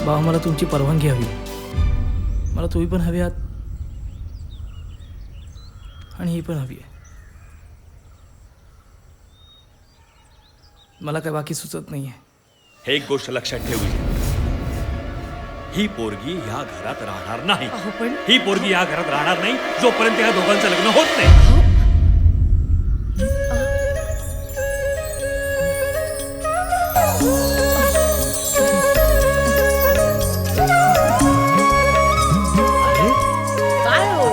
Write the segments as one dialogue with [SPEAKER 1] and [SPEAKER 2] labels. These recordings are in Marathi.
[SPEAKER 1] बाबा मला तुमची परवानगी हवी. मला तुम्ही पण हवी आहात आणि ही पण हवी आहे. मला काय बाकी सुचत नाही आहे.
[SPEAKER 2] हे एक गोष्ट लक्षात ठेवली, ही पोरगी ह्या घरात राहणार नाही.
[SPEAKER 3] पण
[SPEAKER 2] ही पोरगी ह्या घरात राहणार नाही जोपर्यंत ह्या दोघांचं लग्न होत नाही.
[SPEAKER 3] काय हो?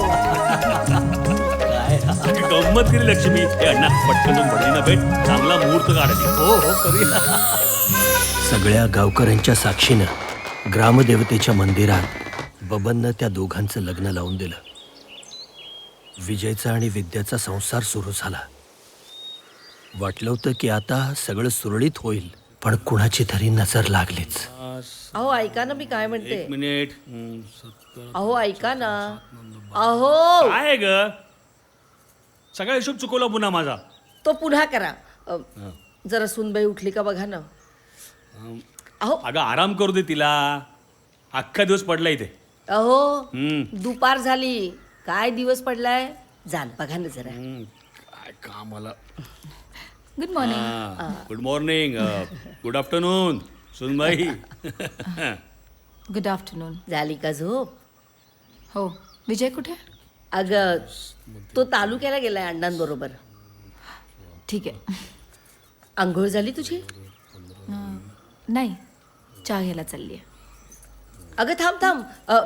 [SPEAKER 2] गंमत केली लक्ष्मी. हे अण्णा पटकन जाऊन बहिणीला भेट, चांगला मुहूर्त काढायची.
[SPEAKER 1] हो हो करूया.
[SPEAKER 4] सगळ्या गावकऱ्यांच्या साक्षीनं ग्रामदेवतेच्या मंदिरात बबननं त्या दोघांचं लग्न लावून दिलं. विजयचा आणि विद्याचा संसार सुरू झाला. वाटलं होतं की आता सगळं सुरळीत होईल, पण कुणाची तरी नजर लागलीच.
[SPEAKER 3] अहो ऐका ना, मी काय म्हणते.
[SPEAKER 2] एक मिनिट.
[SPEAKER 3] अहो ऐका ना. अहो
[SPEAKER 2] काय ग, सगळा हिशोब चुकवला पुन्हा माझा.
[SPEAKER 3] तो पुन्हा करा. जरा सुनबाई उठली का बघा ना. अहो
[SPEAKER 2] अगं आराम करू दे तिला, अख्खा दिवस पडला इथे.
[SPEAKER 3] अहो
[SPEAKER 2] हम्म.
[SPEAKER 3] दुपार झाली, काय दिवस पडलाय. जाण बघा ना जरा.
[SPEAKER 2] काय कामाला.
[SPEAKER 5] Good morning.
[SPEAKER 2] Good morning. Good afternoon सुनबाई.
[SPEAKER 5] Good afternoon.
[SPEAKER 3] झाली का झोप?
[SPEAKER 5] हो, विजय कुठे?
[SPEAKER 3] अगं तो तालुक्याला गेलाय अण्णांबरोबर.
[SPEAKER 5] ठीक आहे.
[SPEAKER 3] आंघोळ झाली तुझी?
[SPEAKER 5] नाही, चहा घ्यायला चालली आहे.
[SPEAKER 3] अगं थांब थांब.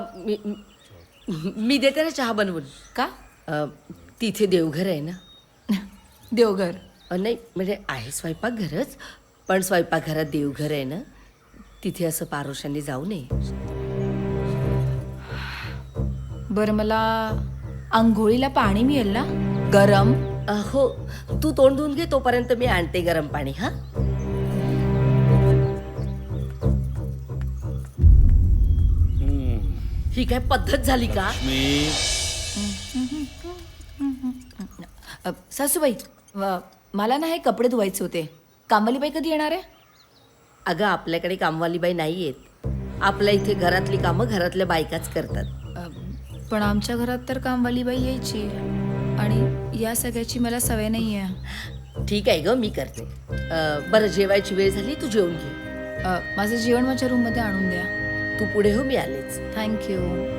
[SPEAKER 3] मी देते ना चहा बनवून.
[SPEAKER 5] का?
[SPEAKER 3] तिथे देवघर आहे ना.
[SPEAKER 5] देवघर?
[SPEAKER 3] नाही म्हणजे आहे स्वयंपाकघरच, पण स्वयंपाकघरात देवघर आहे ना, तिथे असं पारोशांनी जाऊ नये.
[SPEAKER 5] बरं, मला आंघोळीला पाणी मिळेल ना गरम?
[SPEAKER 3] हो, तू तोंड धुवून घे, तोपर्यंत मी आणते गरम पाणी. हा ही काय पद्धत झाली का?
[SPEAKER 2] मी
[SPEAKER 5] सासूबाई, मला ना हे कपडे धुवायचे होते. कामवालीबाई कधी येणार आहे?
[SPEAKER 3] अगं आपल्याकडे कामवालीबाई नाही आहेत. आपल्या इथे घरातली कामं घरातल्या बायकाच करतात.
[SPEAKER 5] पण आमच्या घरात तर कामवालीबाई यायची आणि या सगळ्याची मला सवय नाही आहे.
[SPEAKER 3] ठीक आहे ग, मी करते. बरं, जेवायची वेळ झाली, तू जेवून घे.
[SPEAKER 5] माझं जेवण माझ्या रूममध्ये आणून द्या.
[SPEAKER 3] तू पुढे हो, मी आलेच.
[SPEAKER 5] थँक्यू.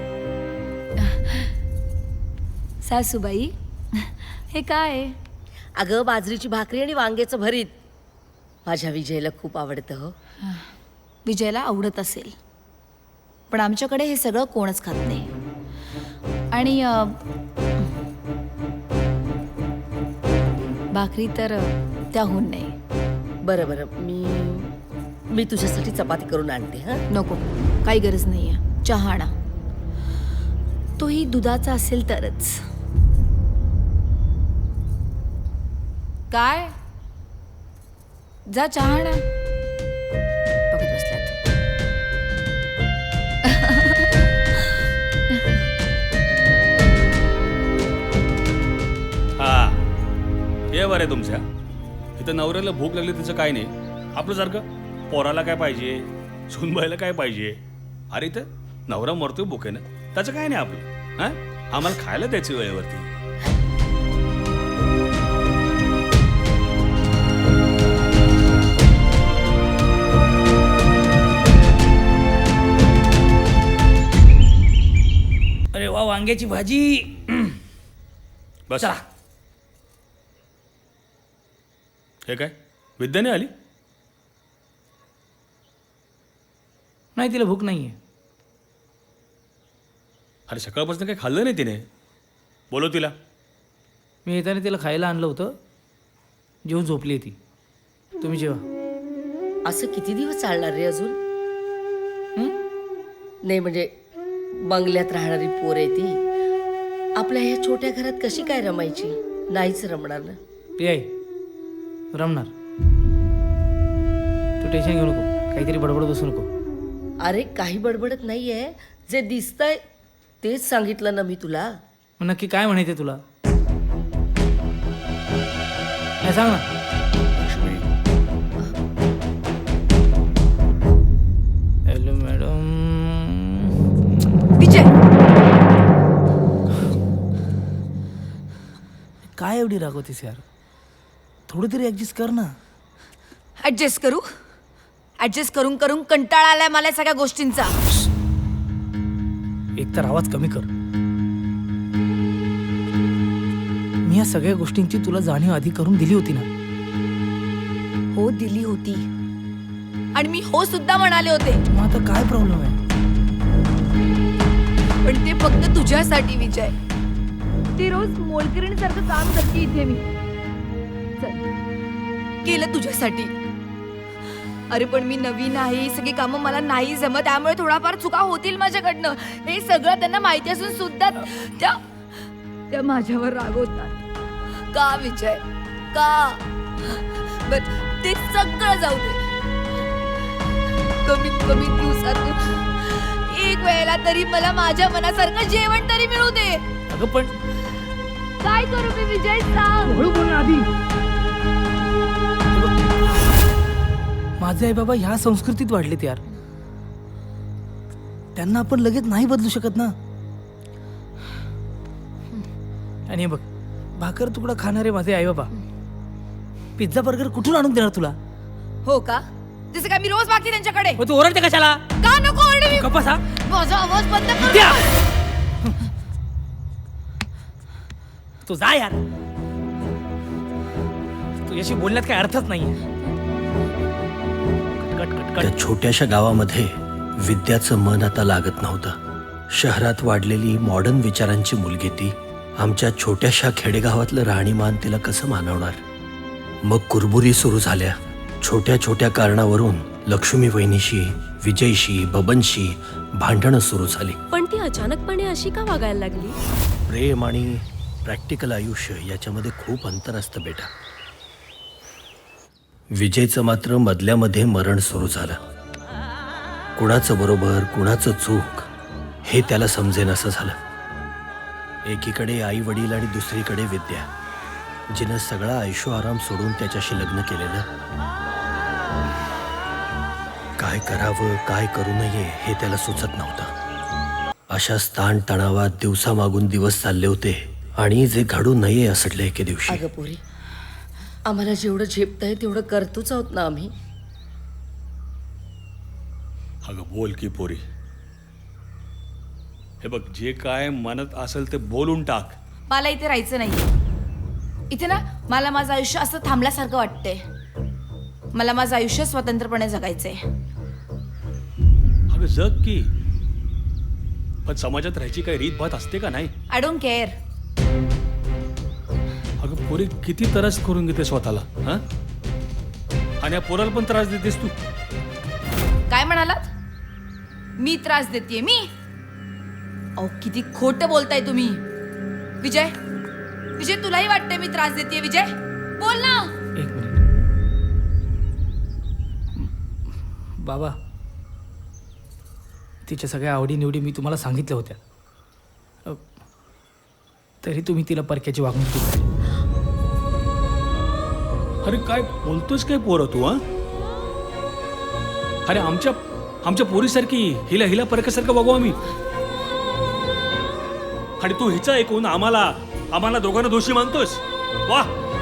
[SPEAKER 5] सासूबाई, हे काय?
[SPEAKER 3] अगं बाजरीची भाकरी आणि वांग्याचं भरीत. माझ्या विजयला खूप आवडतं हो.
[SPEAKER 5] विजयला आवडत असेल, पण आमच्याकडे हे सगळं कोणच खात नाही. आणि भाकरी तर त्याहून नाही.
[SPEAKER 3] बरं बरं, मी तुझ्यासाठी चपाती करून आणते. हां
[SPEAKER 5] नको, काही गरज नाही आहे. चहा आणा, तोही दुधाचा असेल तरच. काय? जा चहा आणा. बघत बसल्यात.
[SPEAKER 2] हा हे बरं आहे तुमच्या इथं. नवऱ्याला भूक लागली त्याचं काय नाही. आपल्यासारखं पोराला काय पाहिजे, सुनबाईला काय पाहिजे. अरे इथं नवरा मरतोय भुकेनं, त्याचं काय नाही आपलं. हा, आम्हाला खायला द्यायची वेळेवरती.
[SPEAKER 1] अरे वा, वांग्याची भाजी.
[SPEAKER 2] बस.
[SPEAKER 1] चला.
[SPEAKER 2] हे काय, विद्याने आली?
[SPEAKER 1] नाही, तिला भूक नाही आहे.
[SPEAKER 2] अरे सकाळपासून काही खाल्लं नाही तिने. बोलव तिला.
[SPEAKER 1] मी येताना तिला खायला आणलं होतं, जेवून झोपली आहे ती. तुम्ही जेवा.
[SPEAKER 3] असं किती दिवस चालणार रे अजून? नाही म्हणजे बंगल्यात राहणारी पोर आहे ती. आपल्या ह्या छोट्या घरात कशी काय रमायची? नाहीच रमणार ना.
[SPEAKER 1] ते आहे, रमणार. तू टेन्शन घेऊ नको, काहीतरी बडबड बसू नको.
[SPEAKER 3] अरे काही बडबडत नाहीये, जे दिसतंय तेच सांगितलं ना मी तुला.
[SPEAKER 1] मग नक्की काय म्हणायचं तुला? काय सांग ना. Hello madam. एवढी रागवतेस यार? थोडं तरी ॲडजस्ट कर ना.
[SPEAKER 5] ऍडजस्ट करू? ऍडजस्ट करून करून कंटाळा आलाय मला या सगळ्या गोष्टींचा.
[SPEAKER 1] एक तर आवाज कमी कर. मी या सगळ्या गोष्टींची तुला जाणीव आधी करून दिली होती ना.
[SPEAKER 5] हो दिली होती आणि मी हो सुद्धा म्हणाले होते,
[SPEAKER 1] मग आता काय प्रॉब्लेम आहे?
[SPEAKER 5] पण ते फक्त तुझ्यासाठी विजय. ती रोज मोलकरीणसारखं काम करते इथे मी. चल, केलं तुझ्यासाठी. अरे पण मी नवीन आहे, ही सगळी कामं मला नाही जमत, त्यामुळे थोडाफार चुका होतील माझ्याकडनं. हे सगळं त्यांना माहिती असून सुद्धा त्या माझ्यावर रागवतात. का विजय? का? बर ते सगळं जाऊ दे. कमीत कमी दिवसातून एक वेळेला तरी मला माझ्या मनासारखं जेवण तरी मिळू दे.
[SPEAKER 1] अगं पण
[SPEAKER 5] काय करू मी विजय, सांग.
[SPEAKER 1] हळू बोल ना आधी. माझे आई बाबा ह्या संस्कृतीत वाढलेत यार. त्यांना आपण लगेच नाही बदलू शकत ना. आणि हे बघ, भाकर तुकडा खाणारे माझे आई बाबा पिझ्झा बर्गर कुठून आणून देणार तुला?
[SPEAKER 5] हो का? जसं काय मी रोज मागते त्यांच्याकडे.
[SPEAKER 1] मग तू ओरडते कशाला?
[SPEAKER 5] का नको ओरडू मी?
[SPEAKER 1] गप्प बसा.
[SPEAKER 5] माझा आवाज बंद कर.
[SPEAKER 1] द्या. तू जा यार. तुझ्याशी बोलण्यात काही अर्थच नाहीये. Cut cut cut.
[SPEAKER 4] त्या छोट्याशा गावामध्ये विद्याचं मन आता लागत नव्हतं. शहरात वाढलेली मॉडर्न विचारांची मुलगी ती आमच्या छोट्याशा खेडेगावातलं राहणीमान तिला कसं मानवणार? मग कुरबुरी सुरू झाल्या. छोट्या छोट्या कारणावरून लक्ष्मी वहिनीशी, विजयशी, बबनशी भांडणं सुरू झाली.
[SPEAKER 6] पण ती अचानकपणे अशी का वागायला लागली?
[SPEAKER 4] प्रेम आणि प्रॅक्टिकल आयुष्य याच्यामध्ये खूप अंतर असतं बेटा. विजयचं मात्र मधल्यामध्ये मरण सुरू झालं. कुणाचं बरोबर कुणाचं चूक हे त्याला समजेनासं झालं. एकीकडे आई वडील आणि दुसरीकडे विद्या, जिनं सगळा ऐशो आराम सोडून त्याच्याशी लग्न केलेलं. काय करावं काय करू नये हे त्याला सुचत नव्हतं. अशा स्थान तणावात दिवसामागून दिवस चालले होते आणि जे घडू नये असडले एके दिवशी.
[SPEAKER 3] अगं पोरी, आम्हाला जेवढं झेपतंय तेवढं करतोच आहोत ना आम्ही.
[SPEAKER 2] अगं बोल की पोरी. हे बघ, जे काय मनात असेल ते बोलून टाक.
[SPEAKER 5] मला इथे राहायचं नाही. इथे ना मला माझं आयुष्य असं थांबल्यासारखं वाटतंय. मला माझं आयुष्य स्वतंत्रपणे जगायचंय.
[SPEAKER 2] अगं जग की, पण समाजात राहायची काही रीतभात असते का नाही?
[SPEAKER 5] I don't care.
[SPEAKER 2] अगं पोरी, किती त्रास करून घेते स्वतःला, हा? आणि या पोराला पण त्रास देतेस तू.
[SPEAKER 5] काय म्हणालात? मी त्रास देतेय? मी? अहो किती खोटं बोलताय तुम्ही. विजय, विजय तुलाही वाटतंय मी त्रास देतेय? विजय बोल ना.
[SPEAKER 1] एक मिनिट. बाबा, तिच्या सगळ्या आवडीनिवडी मी तुम्हाला सांगितल्या होत्या. तरी तुम्ही तिला परक्याची वागणूक दिली.
[SPEAKER 2] अरे काय बोलतोस काय पोरं तू, हा? अरे आमच्या पोरीसारखी हिला परक्यासारखं बघू आम्ही. आणि तू हिचं ऐकून आम्हाला दोघांना दोषी मानतोस? वा.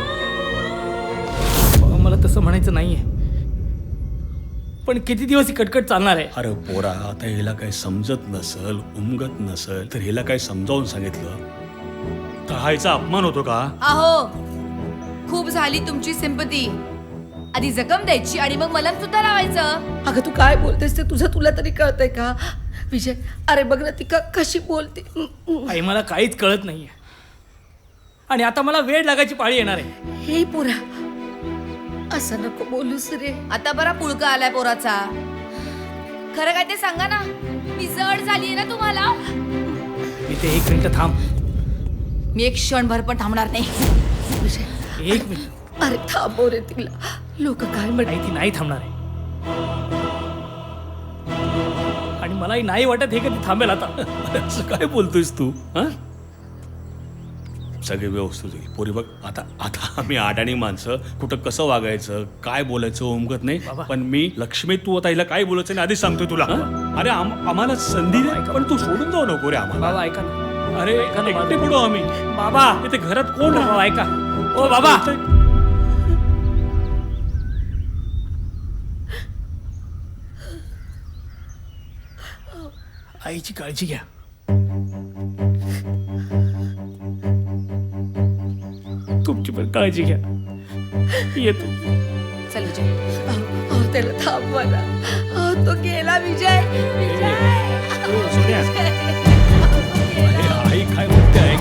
[SPEAKER 1] मला तसं म्हणायचं नाहीये, पण किती दिवस ही कटकट चालणार आहे?
[SPEAKER 2] अरे पोरा, आता हिला काही समजत नसल, उमगत नसल तर हिला काही समजावून सांगितलं तर हा हिचा अपमान होतो का?
[SPEAKER 5] अहो खूप झाली तुमची सिंपती. आधी जखम द्यायची आणि मग मलम सुद्धा लावायचं.
[SPEAKER 3] अगं तू काय बोलतेस ते तुला तरी कळतंय का? विजय, अरे बघ ना ती कशी बोलते.
[SPEAKER 1] आई मला काहीच कळत नाहीये आणि आता मला वेळ लागायची पाळी येणार आहे.
[SPEAKER 3] हे पोरा, असं नको बोलूस रे.
[SPEAKER 5] आता बरा पुळका आलाय पोराचा. खरं काय ते सांगा ना. मी जड झालीये ना तुम्हाला?
[SPEAKER 1] इथे एक मिनिट थांब.
[SPEAKER 5] मी एक क्षणभर पण थांबणार नाही.
[SPEAKER 3] विजय,
[SPEAKER 1] एक मिनिट.
[SPEAKER 3] अरे थांबव रे तिला. लोक काय म्हणतात?
[SPEAKER 1] नाही, ती नाही थांबणार आहे आणि मलाही नाही वाटत हे कधी थांबेल आता.
[SPEAKER 2] अरे असं काय बोलतोयस तू, हा? सगळे व्यवस्थित होईल पोरी. बघ आता आम्ही अडाणी माणसं, कुठं कसं वागायचं काय बोलायचं उमगत नाही.
[SPEAKER 1] बाबा.
[SPEAKER 2] पण मी लक्ष्मी, तू आता हिला काय बोलायचं नाही आधीच सांगतोय तुला. अरे आम्हाला संधी दे, पण तू सोडून जाऊ नको रे आम्हाला.
[SPEAKER 1] बाबा ऐका ना.
[SPEAKER 2] अरे एकटे पडू आम्ही.
[SPEAKER 1] बाबा
[SPEAKER 2] इथे घरात कोण
[SPEAKER 1] बाबा ऐका. ओ बाबा, आईची काळजी घ्या. तुमची पण काळजी घ्या. येतो.
[SPEAKER 5] चल विजय.
[SPEAKER 3] त्याला थांबवा ना. तो गेला विजय. विजय.
[SPEAKER 1] सोन्या.
[SPEAKER 2] अरे आई काय म्हणते